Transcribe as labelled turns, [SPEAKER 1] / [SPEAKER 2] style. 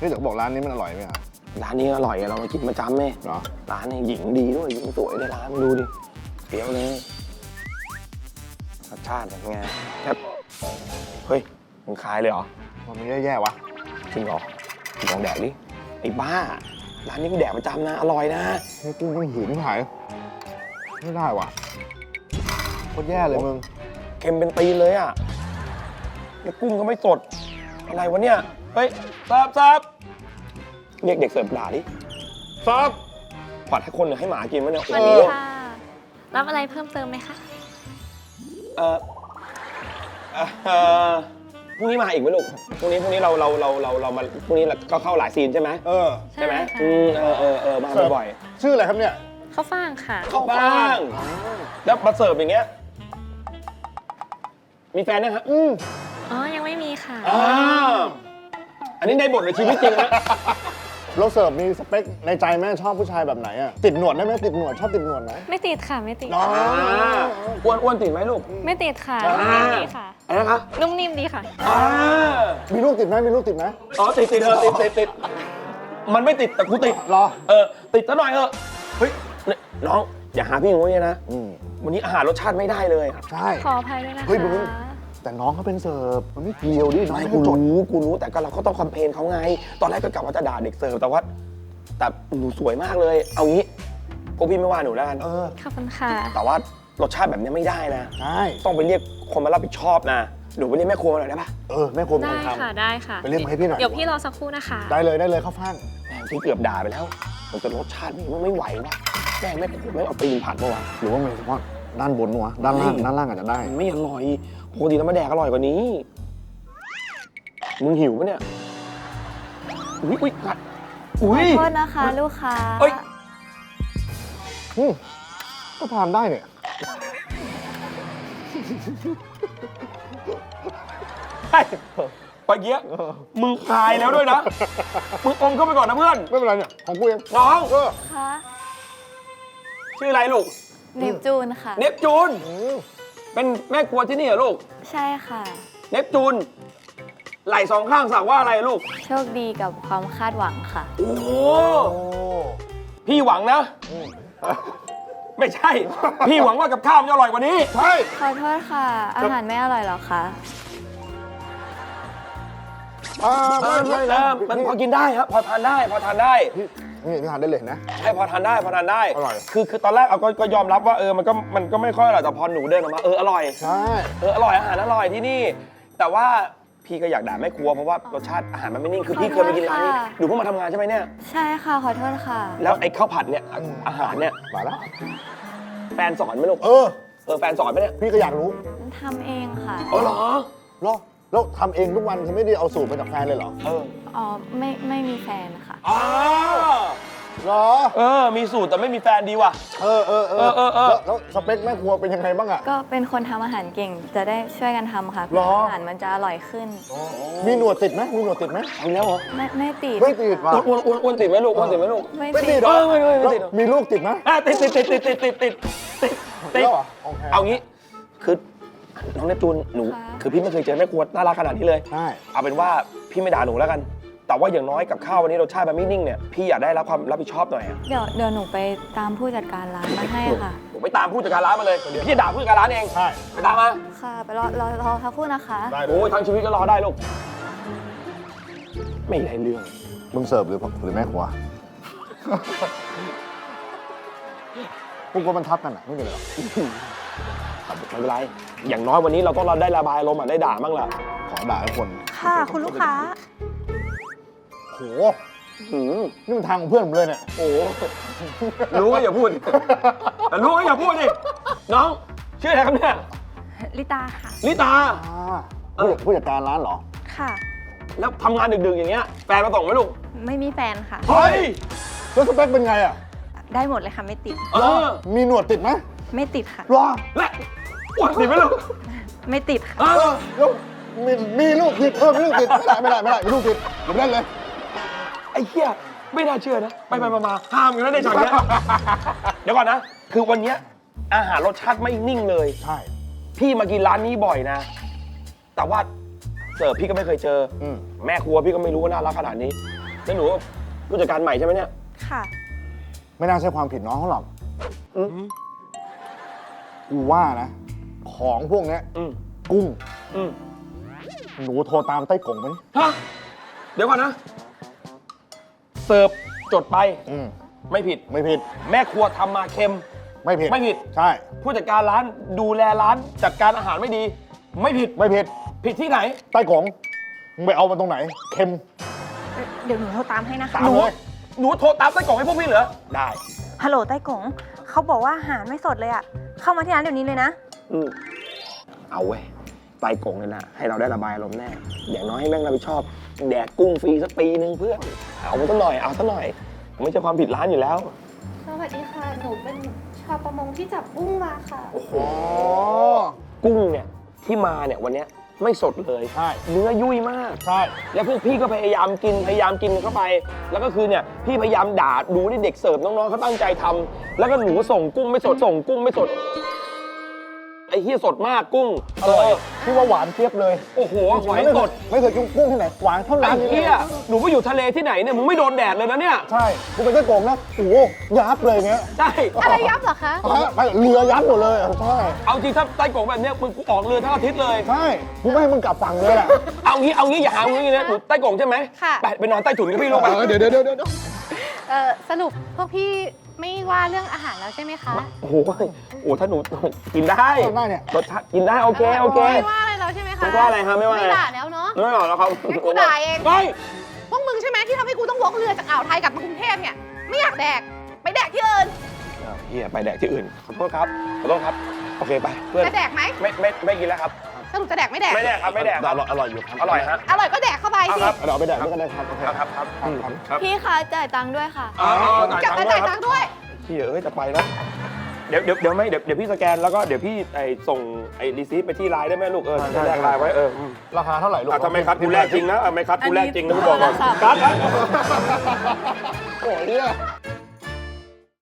[SPEAKER 1] นี่เดี๋ยวบอกร้านนี้มันอร่อยไหมครับ
[SPEAKER 2] ร้านนี้อร่อยอะเรามากินประจำไหม
[SPEAKER 1] เหรอ
[SPEAKER 2] ร้านนี้หญิงดีด้วยหญิงสวยในร้านมาดูดิเปรี้ยวเลยรสชาติเป็นไงแค่เฮ้ยมึงคายเลยเหรอ
[SPEAKER 1] มันไม่แย่ๆวะ
[SPEAKER 2] จริงเหรอลองแดกดิไอ้บ้าร้านนี้กูแดกประจำนะอร่อยนะ
[SPEAKER 1] นี่กุ้งมันหืนหายไม่ได้ว่ะโคตรแย่เลยมึง
[SPEAKER 2] เค็มเป็นตีนเลยอ่ะแล้วกุ้งก็ไม่สดอะไรวะเนี่ยเฮ้ยซับเรียกเด็กเสิร์ฟด่าดิซับผัดให้คนหรือให้หมากินวะเนี่ย
[SPEAKER 3] สวัสดีค่ะ รับอะไรเพิ่มเติมไหมคะ
[SPEAKER 2] เออพรุ่งนี้มาอีกไหมลูกพรุ่งนี้เรามาพรุ่งนี้ก็เข้าหลายซีนใช่ไหม ใช่ไหม
[SPEAKER 3] ค่ะ
[SPEAKER 2] มาบ่อย
[SPEAKER 1] ชื่ออะไรครับเนี่ย
[SPEAKER 3] ข้าวฟ่างค่ะ
[SPEAKER 2] เข้าบ้างแล้วมาเสิร์ฟอย่างเงี้ยมีแฟนนะครับ
[SPEAKER 3] อ๋อ ยังไม่มีค่ะ
[SPEAKER 2] อันนี้ในบทในชีวิตจริงนะ
[SPEAKER 1] เราเสิร์ฟมีสเปคในใจแม่ชอบผู้ชายแบบไหนอะติดหนวดได้ไหมติดหนวดชอบติดหนวดไหม
[SPEAKER 3] ไม่ติดค่ะ ไม่ติด
[SPEAKER 2] อ้วนติดไหมลูก
[SPEAKER 3] ไม่ติดค่ะ
[SPEAKER 2] อ่า
[SPEAKER 3] นุ่มนิ่มดีค่ะ
[SPEAKER 2] อะไรนะคะ
[SPEAKER 3] นุ่มนิ่มดีค่ะ
[SPEAKER 1] มีลูกติดไหมมีลูกติดไหม
[SPEAKER 2] อ๋อติดติดมันไม่ติดแต่กูติด
[SPEAKER 1] รอ
[SPEAKER 2] ติดซะหน่อยเถอะเฮ้ยน้องอย่าหาพี่อย่างงี้นะ
[SPEAKER 1] อืม
[SPEAKER 2] วันนี้อาหารรสชาติไม่ได้เลยอะ
[SPEAKER 1] ใช่
[SPEAKER 3] ขออภัยด้วยนะคะ
[SPEAKER 1] เฮ้ยมึง แต่น้องเขาเป็นเสิร์ฟมันไม่เกี่ยวดิน้อง
[SPEAKER 2] ไม่
[SPEAKER 1] เขาจด
[SPEAKER 2] กูรู้แต่ก็เราก็ต้องคอมเพลนเขาไง ตอนแรกก็กะว่าจะด่าเด็กเสิร์ฟแต่หนูสวยมากเลย เอางี้พวกพี่ไม่ว่าหนูแล้วกัน
[SPEAKER 3] ขอบคุณค่ะ
[SPEAKER 2] แต่ว่ารสชาติแบบนี้ไม่ได้นะ
[SPEAKER 1] ใช่
[SPEAKER 2] ต้องไปเรียกคนมารับผิดชอบนะหนูไปเรียกแม่ครัวมาหน่อยได้ปะ
[SPEAKER 1] แม่ครัวเป็น
[SPEAKER 3] ได้
[SPEAKER 1] คนท
[SPEAKER 3] ค่ะ ได้ค่ะ
[SPEAKER 1] ไปเรียกมาให้พี่หน่อย
[SPEAKER 3] เดี๋ยวพี่รอสักครู่นะคะ
[SPEAKER 1] ำได้เลยเข้าฟ่าง
[SPEAKER 2] แม่งที่เกือบด่าไปแล้วมันจะรสชาติมันไม่ไหววะแม่งแม่ครัวไม่เอาตีนผัดมาวะ
[SPEAKER 1] หรือว่ามันเฉพาะด้านบนวะด้านล่างอาจจะได้
[SPEAKER 2] มันไม่อร่อยปกติเรามาแดกอร่อยกว่านี้ มึงหิวปะเนี่ย อุ้ยกัดอุ้ย
[SPEAKER 4] ขอโทษนะคะลูกค้า
[SPEAKER 2] เอ้ย
[SPEAKER 1] ก็ทานได้เนี่ย
[SPEAKER 2] ไอ้ปะเกี้ยมึงคายแล้วด้วยนะ มึงอมเข้าไปก่อนนะเพื่อน
[SPEAKER 1] ไม่เป็นไรเนี่ยของกูเอง
[SPEAKER 2] น้อง
[SPEAKER 4] คะ
[SPEAKER 2] ชื่ออะไรลูก
[SPEAKER 4] เนปจูนค่ะ
[SPEAKER 2] เนปจูน เป็นแม่ครัวที่นี่เหรอลูก
[SPEAKER 4] ใช่ค่ะ
[SPEAKER 2] เนปจูน ไหล่สองข้างสักว่าอะไรลูก
[SPEAKER 4] โชคดีกับความคาดหวังค่ะ
[SPEAKER 2] โอ้โหพี่หวังนะ ไม่ใช่ พี่หวังว่ากับข้าวมันจะอร่อยกว่านี้
[SPEAKER 1] ใช่
[SPEAKER 4] ขอโทษค่ะ อาหารไม่อร่อยเหรอคะ
[SPEAKER 2] มันพอกินได้ครับ พอทานได้
[SPEAKER 1] นี่ทานได้เลยนะ
[SPEAKER 2] ใช่พอทานได้
[SPEAKER 1] อร่อย
[SPEAKER 2] คือตอนแรกเอาก็ยอมรับว่ามันก็ไม่ค่อยอร่อยแต่พอหนูเดินออกมาอร่อย
[SPEAKER 1] ใช่
[SPEAKER 2] อร่อยอาหารอร่อยที่นี่ แต่ว่าพี่ก็อยากด่าแม่ครัวเพราะว่ารสชาติอาหารมันไม่นิ่งคือพี่เคยไปกินร้านนี้
[SPEAKER 4] ขอโทษค่ะ
[SPEAKER 2] หนูเพิ่งมาทำงานใช่ไหมเนี่ย
[SPEAKER 4] ใช่ค่ะ ขอโทษค่ะ
[SPEAKER 2] แล้วไอ้ข้าวผัดเนี่ยอาหารเนี่ย
[SPEAKER 1] มาแล้ว
[SPEAKER 2] แฟนสอนไหมลูก แฟนสอนไหมเนี่ย
[SPEAKER 1] พี่ก็อยากรู้
[SPEAKER 4] ทำเองค่ะ
[SPEAKER 2] เหรอ
[SPEAKER 1] แล้วทำเองทุกวันคือไม่ได้เอาสูตรมาจากแฟนเลยเหรอ
[SPEAKER 4] อ๋อ ไม่มีแฟนค่ะ
[SPEAKER 2] อ๋อ
[SPEAKER 1] เหรอ
[SPEAKER 2] มีสูตรแต่ไม่มีแฟนดีว่ะ
[SPEAKER 1] แล้วสเปคแม่ครัวเป็นยังไงบ้างอะ
[SPEAKER 4] ก็เป็นคนทำอาหารเก่ง จะได้ช่วยกันทำค่ะ
[SPEAKER 1] หรอ
[SPEAKER 4] อาหารมันจะอร่อยขึ้น
[SPEAKER 1] มีหนวดติดไหมมีหนวดติดไหม
[SPEAKER 2] เอาแล้วเหรอ
[SPEAKER 4] ไม่ติด
[SPEAKER 1] ไม่ติดว่ะ
[SPEAKER 2] อ้วนติดไหมลูกอ้วนติดไหมลูก
[SPEAKER 1] ไม่ติดเหรอ
[SPEAKER 2] ไม่
[SPEAKER 1] แล้ว
[SPEAKER 2] ติด
[SPEAKER 1] มีลูกติดไหม
[SPEAKER 2] ติด
[SPEAKER 1] แล้วเหรอโอเค
[SPEAKER 2] เอางี้คือน้องเนปจูนหนู
[SPEAKER 4] ค่ะ
[SPEAKER 2] คือพี่ไม่เคยเจอแม่ครัวน่ารักขนาดนี้เลย
[SPEAKER 1] ใช่
[SPEAKER 2] เอาเป็นว่าพี่ไม่ด่าหนูแล้วกัน แต่ว่าอย่างน้อยกับข้าววันนี้รสชาติมันไม่นิ่งเนี่ยพี่อยากได้รับความรับผิดชอบหน่อยอะ
[SPEAKER 4] เดี๋ยวหนูไปตามผู้จัดการร้านมาให้ค่ะ
[SPEAKER 2] หนูไปตามผู้จัดการร้านมาเลยพี่จะด่าผู้จัดการร้านเอง
[SPEAKER 1] ใช่
[SPEAKER 2] ไปตามมา
[SPEAKER 4] ค่ะ ไปรอสักครู่นะคะ
[SPEAKER 1] ได้เล
[SPEAKER 2] โอ้ย
[SPEAKER 1] ย
[SPEAKER 2] ทั้งชีวิตก็รอได้ลูกไม่ได้เรื่อง
[SPEAKER 1] มึงเสิร์ฟหรือแม่ครัว พวกกูมันทับกันอะไม่เป็นไรหรอก
[SPEAKER 2] ไม่เป็นไรอย่างน้อยวันนี้เราต้องได้ระบายอารมณ์ได้ด่าบ้างล่ะ
[SPEAKER 1] ขอด่าทุกคน
[SPEAKER 5] ค่ะ คุณลูกค้า
[SPEAKER 1] โห
[SPEAKER 2] อืม
[SPEAKER 1] นี่มันทางของเพื่อนผมเลยเนี่ย
[SPEAKER 2] โอ้รู้ก็อย่าพูดแต่รู้ก็อย่าพูดดิน้องชื่ออะไรครับเนี่ย
[SPEAKER 5] ลิตาค่ะ
[SPEAKER 2] ลิตา
[SPEAKER 1] ผู้จัดการร้านเหรอ
[SPEAKER 5] ค่ะ
[SPEAKER 2] แล้วทำงานดึกๆอย่างเงี้ยแฟนมาส่งไหมลูก
[SPEAKER 5] ไม่มีแฟนค่ะ
[SPEAKER 2] เฮ้ย
[SPEAKER 1] แล้วสเปคเป็นไงอะ
[SPEAKER 5] ได้หมดเลยค่ะ ไม่ติด
[SPEAKER 1] มีหนวดติดไหม
[SPEAKER 5] ไม่ติดค่ะ
[SPEAKER 1] รอ
[SPEAKER 2] และอ้วนติดไหมลูก
[SPEAKER 5] ไม่ติดค่ะ
[SPEAKER 1] แล้วมีลูกติดมีลูกติดไม่ได้มีลูกติดเดี๋ยวเล่นเลย
[SPEAKER 2] ไอ้เหี้ยไม่น่าเชื่อนะไปมาห้ามอยู่แล้วในฉากเนี้ย เดี๋ยวก่อนนะ คือวันเนี้ยอาหารรสชาติไม่นิ่งเลย
[SPEAKER 1] ใช่
[SPEAKER 2] พี่มากินร้านนี้บ่อยนะ แต่ว่าเสิร์ฟพี่ก็ไม่เคยเจอ แม่ครัวพี่ก็ไม่รู้ว่าน่ารักขนาดนี้แล้วหนูผู้จัดการใหม่ใช่ไหมเนี่ย
[SPEAKER 5] ค่ะ
[SPEAKER 1] ไม่น่าใช่ความผิดน้องเขาหรอกกูว่านะ ของพวกเนี้ย
[SPEAKER 2] อืม
[SPEAKER 1] กุ้ง
[SPEAKER 2] อืม
[SPEAKER 1] หนูโทรตามไต้กงไปดิ
[SPEAKER 2] ฮะเดี๋ยวก่อนนะ เสิร์ฟจดไป
[SPEAKER 1] อืม
[SPEAKER 2] ไม่ผิด
[SPEAKER 1] ไม่ผิด
[SPEAKER 2] แม่ครัวทำมาเค็ม
[SPEAKER 1] ไม่ผิด
[SPEAKER 2] ไม่ผิด
[SPEAKER 1] ใช่
[SPEAKER 2] ผู้จัดการร้านดูแลร้านจัดการอาหารไม่ดี ไม่ผิด
[SPEAKER 1] ไม่ผิด
[SPEAKER 2] ผิดที่ไหน
[SPEAKER 1] ไต้กงมึงไปเอามาตรงไหน เค็ม
[SPEAKER 5] เดี๋ยวหนูโทรตามให้นะคะ
[SPEAKER 1] ตามเลย
[SPEAKER 2] หนูโทรตามไส้กรอกให้พวกพี่เหรอ ได้
[SPEAKER 5] ฮัลโหลไต้กงเขาบอกว่าอาหารไม่สดเลยอะเข้ามาที่ร้านเดี๋ยวนี้เลยนะ
[SPEAKER 2] อืมเอาเว้ยไตกงเลยนะ ให้เราได้ระบายอารมณ์แน่ อย่างน้อยให้แม่งรับผิดชอบ แดกกุ้งฟรีสักปีนึงเพื่อน เอามาสักหน่อย เอาสักหน่อย ไม่ใช่ความผิดร้านอยู่แล้ว
[SPEAKER 3] สวัสดีค่ะ หนูเป็นชาวประมงที่จับกุ้งมาค่ะ
[SPEAKER 1] อ๋อ
[SPEAKER 2] กุ้งเนี่ยที่มาเนี่ยวันเนี้ยไม่สดเลย
[SPEAKER 1] ใช่
[SPEAKER 2] เนื้อยุ่ยมาก
[SPEAKER 1] ใช่
[SPEAKER 2] แล้วพวกพี่ก็พยายามกินเข้าไป แล้วก็คือเนี่ยพี่พยายามด่าดูที่เด็กเสิร์ฟน้องๆเขาตั้งใจทำแล้วก็หนูส่งกุ้งไม่สดส่งกุ้งไม่สด ไอ้เหี้ยสดมากกุ้ง
[SPEAKER 1] อร่อยพี่ว่าหวานเทียบเลย
[SPEAKER 2] โอ้โหหอยสด
[SPEAKER 1] ไม่เคยกินกุ้งที่ไหนหวานเท่า
[SPEAKER 2] ไอ้
[SPEAKER 1] ร้านนี้เล
[SPEAKER 2] เหี้
[SPEAKER 1] ย
[SPEAKER 2] ยหนูไปอยู่ทะเลที่ไหนเนี่ยมึงไม่โดนแดดเลยนะเนี่ย
[SPEAKER 1] ใช่กูเป็นไต้กงนะโอ้โหยับเลยเงี้ย
[SPEAKER 2] ใช่
[SPEAKER 3] อะไรยับเหรอคะ
[SPEAKER 1] ไปเรือยับหมดเลยใช่
[SPEAKER 2] เอาจริงถ้าไต้กงแบบเนี้ยมึงกูออกเรือทั้งอาทิตย์เลย
[SPEAKER 1] ใช่กูไม่ให้มึงกลับฝั่งเลยแหละ
[SPEAKER 2] เอางี้อย่าหามึงอย่างนี้นะหนูไต้กงใช่ไหม
[SPEAKER 3] ค่ะ
[SPEAKER 2] ไปนอนใต้ถุนกับพี่ลูกไป
[SPEAKER 1] เดี๋ยว
[SPEAKER 3] สรุปพวกพี่ไม่ว่าเรื่องอาหารแล้วใช่ไหมคะ
[SPEAKER 2] โอ้โหถ้าหนูกินได้
[SPEAKER 1] ได้เนี่ย
[SPEAKER 2] รสชาติกินได้โอเค
[SPEAKER 3] ไม่ว่าอะไรแล้วใช่ไหมคะ
[SPEAKER 2] ไม่ว่าอะไรครับไม่ว่าอะไร
[SPEAKER 3] ไม่ด่าแล้วเนาะ
[SPEAKER 2] ไม่หรอกแล้วครับ
[SPEAKER 3] งั้นกูด่าเอง
[SPEAKER 2] เฮ้ย
[SPEAKER 3] พวกมึงใช่ไหมที่ทำให้กูต้องวกเรือจากอ่าวไทยกลับมากรุงเทพเนี่ย ไม่อยากแดก ไปแดกที่อื่น
[SPEAKER 2] เฮียไปแดกที่อื่นขอโทษครับโอเคไปเพื่อน
[SPEAKER 3] จะแดกไหม
[SPEAKER 2] ไม่กินแล้วครับ
[SPEAKER 3] สรุปจะแดกไม่แดก
[SPEAKER 2] ไม่แดกครับไม่แดกครับ
[SPEAKER 1] อร่อยอยู่ครับ
[SPEAKER 2] อร่อยฮะ
[SPEAKER 3] อร่อยก็แดกเข้าไป
[SPEAKER 2] เอา
[SPEAKER 3] สิ
[SPEAKER 2] ครับ
[SPEAKER 1] เดี๋ยวเอาไปแดกด้วยกันได้ครับโอเค
[SPEAKER 2] ครับครับ
[SPEAKER 4] พี่คะจ่ายตังค์ด้วยค่ะ
[SPEAKER 3] กลับมาจ่ายตังค์ด้วย
[SPEAKER 2] เฮียจะไปแล้วเดี๋ยวพี่สแกนแล้วก็เดี๋ยวพี่ส่งรีซีฟไปที่ไลน์ได้ไหมลูกแลกไลน์ไว้
[SPEAKER 1] ราคาเท่าไหร่ลูก
[SPEAKER 2] ทำไมคัดกูแลกจริงนะไม่คัดกูแลกจริงนะกูบอกก่อนคัด
[SPEAKER 1] โอ้ยเนี่ย